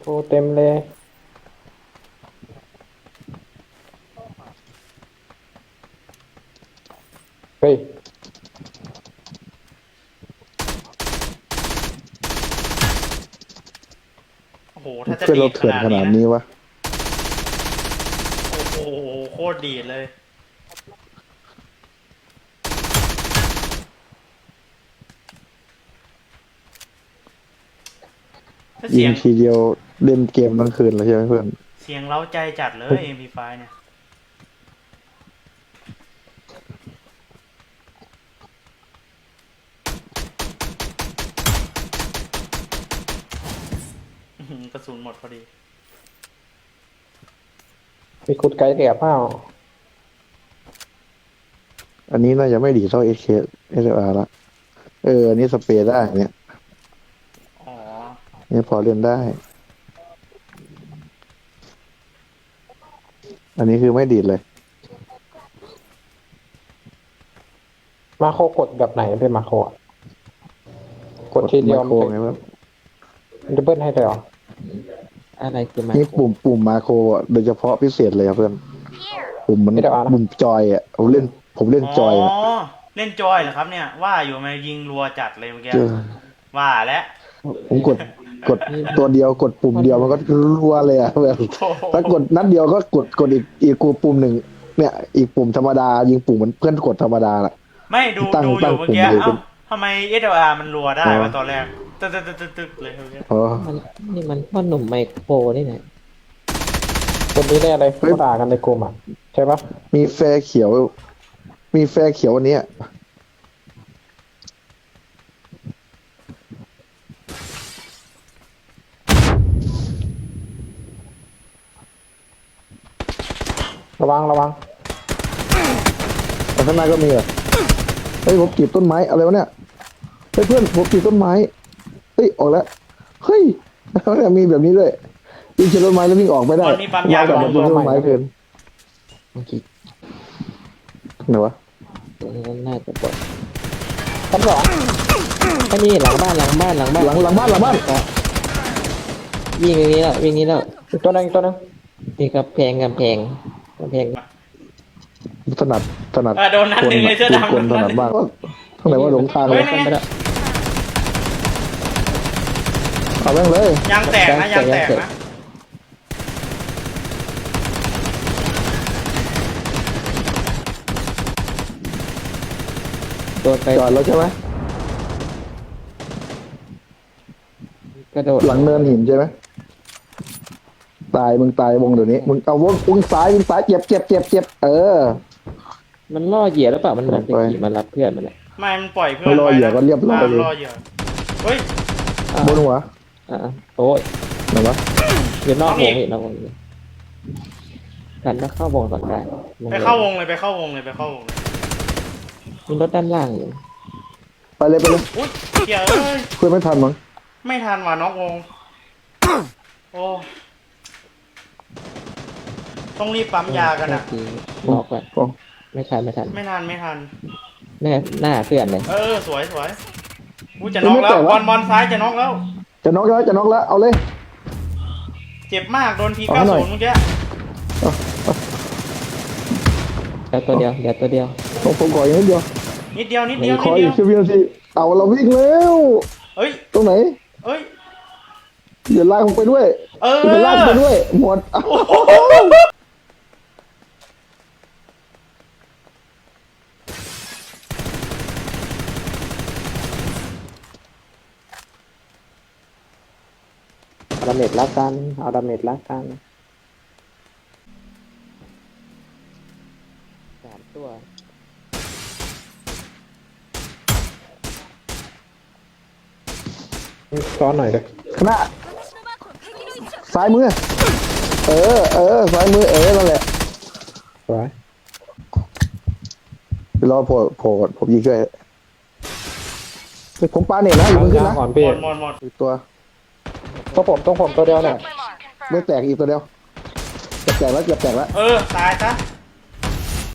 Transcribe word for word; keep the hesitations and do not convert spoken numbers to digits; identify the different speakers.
Speaker 1: โอ้เต็มเลยเฮ้ย
Speaker 2: โอ้โหถ้าจะ
Speaker 3: เพื่อน
Speaker 2: ดี
Speaker 3: เรา
Speaker 2: ดข
Speaker 3: เถื่อน
Speaker 2: นาด
Speaker 3: ขนา
Speaker 2: นี้
Speaker 3: ด
Speaker 2: นะ
Speaker 3: นี้วะ
Speaker 2: โอ้โหโคตรดีดเลยถ้า
Speaker 3: ยิ
Speaker 2: เสีย
Speaker 3: ง
Speaker 2: ง
Speaker 3: ทีเดียวเล่นเกมทั้งคืนเลยใช่ไหมเพื่อน
Speaker 2: เสียงเร้าใจจัดเลย เอ็ม พี ไฟว์ เนี่ยอื้อหือกระสุนหมดพอดี
Speaker 1: มีคุดไกด์เสียเปล่า
Speaker 3: อันนี้น่าจะไม่ดีเท่าเอเคเอสอาร์ละเอออันนี้สเปรย์ได้เนี่ย
Speaker 2: อ๋อ
Speaker 3: นี่พอเล่นได้ อันนี้คือไม่ดีดเลย
Speaker 1: มาโคกดแบบไหนเป็นมาโคอะกดทีเดียว
Speaker 3: ไม
Speaker 1: มัน
Speaker 3: โคร
Speaker 1: จะ
Speaker 3: ไงวะ
Speaker 1: มันจะเบิ้ลให้เลยเหรอ
Speaker 4: อะไรคือมา
Speaker 3: นี่ปุ่มปุ่มมาโครอ่ะโดยเฉพาะพิเศษเลยครับเพื่อนปุ่มมัน
Speaker 1: ไม่ได้เอานะ
Speaker 3: ปุ่มจอยอ่ะผมเล่น ผมเล่นจอยอ่ะ
Speaker 2: อ๋อ เล่นจอยเหรอครับเนี่ย ว่าอยู่มายิงรัวจัดเลยเมื่อกี้
Speaker 3: เจอ
Speaker 2: ว่าแล้ว
Speaker 3: ผมกดกดตัวเดียวกดปุ่มเดียวมันก็รัวเลยอ่ะเพื่อนถ้ากดนัดเดียวก็กดกดอีกอีกกูปุ่มหนึ่งเนี่ย อีกปุ่มธรรมดายิงปุ่มเหมือนเพื่อนกดธรรมดาแหละ
Speaker 2: ไม่ดู
Speaker 3: ตั้ง
Speaker 2: ดูอ
Speaker 3: ตั้ง
Speaker 2: ยู่เมื่อกี้
Speaker 3: ปุ่มเลย
Speaker 2: เอ้าทำไม เอส แอล อาร์ มันรัวได้
Speaker 3: อ๋อ
Speaker 2: วะตอนแรก ตึ๊กตึ๊กตึ๊กตึ๊กตึ๊กเลยเมื่อกี้
Speaker 3: อ๋อ
Speaker 4: มันนี่มันพ่อหนุ่มไมโครนี่นะ
Speaker 1: คนนี้แน่เลย
Speaker 3: เฮ้ย
Speaker 1: เขาด่ากันในกลุ่มอ่ะใช่ปะ
Speaker 3: มีแฟร์เขียว มีแฟร์เขียวอันเนี้ย
Speaker 1: ระวังระวัง
Speaker 3: แต่ข้างหน้าก็มีเหรอเฮ้ยผมกรีดต้นไม้อะไรวะเนี่ยเฮ้ยเพื่อนผมกรีดต้นไม้เฮ้ยออกแล้วเฮ้ยแล้วเนี่ยมีแบบนี้ด้วยวิ่งชนต้นไม้แล้ววิ่งออกไม่ได้
Speaker 2: ตอนนี้ปั๊มยา
Speaker 3: กับต้นไม้เกิน
Speaker 4: เมื่อกี้
Speaker 3: ไหนวะ
Speaker 4: ตัวนี้น่าจะปลด
Speaker 1: ชั้นสอง
Speaker 4: ไอ้นี่หลังบ้านหลังบ้านหลังบ้าน
Speaker 3: หลังหลังบ้านหลังบ้าน
Speaker 4: วิ่งอย่างนี้แล้ววิ่งนี้แล้ว
Speaker 1: อีกตัวหนึงอีกตัวหนึง
Speaker 4: มีกระแพงกำแพงกำแพง
Speaker 3: ถนัดถนัด
Speaker 2: เออโดนนัดหนึ่งเลยเสื้อดำ
Speaker 3: คนถนัดมากข้างไหนว่าหลงทาง
Speaker 2: เฮ้
Speaker 3: เลย ย
Speaker 2: นี่
Speaker 4: ไปแล้ว
Speaker 3: เอาแม่งเลย
Speaker 2: ยางแตกนะยางแตกนะ
Speaker 4: โดนไป
Speaker 3: จอดแล้วใช่ไหม
Speaker 4: กระโดด
Speaker 3: หลังเนินหินใช่ไหมตายมึงตายวงเดี๋ยวนี้มึงเอาวงวงซ้ายมึงซ้ายเจ็บเจ็บเจ็บเจ็บเออ
Speaker 4: มันล่อเหยื่อหรือเปล่ามันเหมือนจะ
Speaker 3: ไป
Speaker 4: ขี่มารับเพื่อนมันเลย
Speaker 2: ไม่มันปล่อยเพื่อน
Speaker 3: ไม่รอเหยื่อ
Speaker 2: ไว้นะ
Speaker 3: ก็เรียบร้อย
Speaker 2: ตาม
Speaker 3: เลย
Speaker 2: รอเหยื่อเฮ้ย
Speaker 4: อ่า
Speaker 3: บนหัว
Speaker 4: อ่าโอ้ย
Speaker 3: ไหนวะ
Speaker 4: อยู่นอก
Speaker 2: เอา
Speaker 4: ว
Speaker 2: อี
Speaker 4: ง
Speaker 2: ก
Speaker 4: อีกนอกวงอีกกันก็เข้าวงก่อนได้วง
Speaker 2: ไปเข้าวงเลยไปเข้าวงเลยไปเข้าวงเลย
Speaker 4: มีรถด้านล่างอยู่
Speaker 3: ไปเลยไปเลย
Speaker 2: อุ้ยเหี้ยเอ้ย
Speaker 3: เพื่อนไม่ทันมั้ง
Speaker 2: ไม่ทันว่ะน็อกวง โอ้ ต้องรีบปั๊มยากันอ่ะ
Speaker 4: เมื่อบอกว่า
Speaker 3: โอ้
Speaker 4: ไม่ทันไม่ทัน
Speaker 2: ไม่ทันไม่ทัน
Speaker 4: แน่หน้าเพื่อนเลย
Speaker 2: เออสวยสวยอุ้ยจะน็อกแล้วบอลบอลซ้ายจะน็อกแล้ว
Speaker 3: จะน็อกแล้วจะน็อกแล้วเอาเลย
Speaker 2: เจ็บมากโดนที
Speaker 3: เอา
Speaker 2: เก้า
Speaker 3: หน่
Speaker 2: ศู
Speaker 3: อย
Speaker 2: นย์เมื่อกี้
Speaker 4: เดี๋ยวตัวเดียวเดี๋ยวตัวเดียว
Speaker 3: ผมผมขออย่างนิดเดียว
Speaker 2: นิดเดียวนิดเดียว
Speaker 3: ข
Speaker 2: นิ
Speaker 3: อ
Speaker 2: ด
Speaker 3: อี
Speaker 2: เดี
Speaker 3: ก
Speaker 2: ยว
Speaker 3: สิบวินาทีเอาเราวิ่งแล้ว
Speaker 2: เอ้ย
Speaker 3: ตรงไหน
Speaker 2: เอ้ย
Speaker 3: อย่าลากผมไปด้วย
Speaker 2: เออ
Speaker 3: อย่าลากไปด้วยหมดเอา
Speaker 1: เอาดาเมจละกันเอาดาเมจละกัน
Speaker 4: สามตัว
Speaker 1: ซ้อนหน่อยเลย
Speaker 3: คณะซ้ายมือเออเออซ้ายมือเออนั่นแหละ
Speaker 1: สวย
Speaker 3: เดี๋ยวรอโผล่โผล่ก่อนผมยิงช่วยผมปาเน็ตนะอยู่มึงขึ้นนะ
Speaker 1: ก่อน
Speaker 2: หม
Speaker 1: พี่
Speaker 2: ดหมดหมด
Speaker 3: อีกตัว
Speaker 1: ต้องผมต้องผมตัวเดียวเนี่ย
Speaker 3: ไม่แตกอีกตัวเดียวจะแตกแล้วจะแตกแล้ว
Speaker 2: เออตายซะ